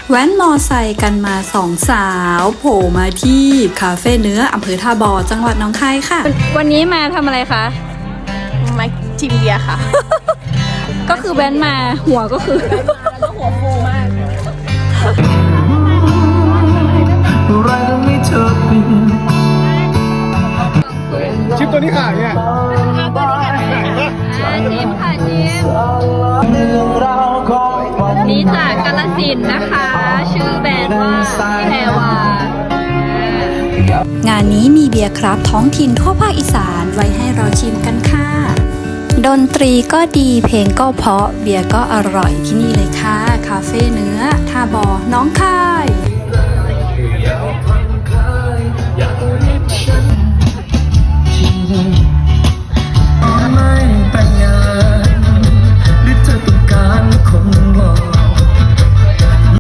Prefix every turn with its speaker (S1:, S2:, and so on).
S1: แว้นมอไซค์กันมาสองสาวโผล่มาที่คาเฟ่เนื้ออำเภอท่าบ่อจังหวัดหนองคายค่ะวันนี้มาทำอะไรคะ
S2: มาชิมเบียร์ค่ะ
S1: ก็คือแว้นมาหัวก็คือ
S2: แล้วก็หัวฟูมาก
S3: ชิปตัวนี้ขายเนี่ย
S1: ชิมค่ะชิมนี่จากกาฬสินธุ์นะคะ ชื่อแบรนด์ว่าแพรวางานนี้มีเบียร์คราฟท้องถิ่นทั่วภาคอีสานไว้ให้เราชิมกันค่ะดนตรีก็ดีเพลงก็เพราะเบียร์ก็อร่อยที่นี่เลยค่ะคาเฟ่เนื้อท่าบ่อน้องคา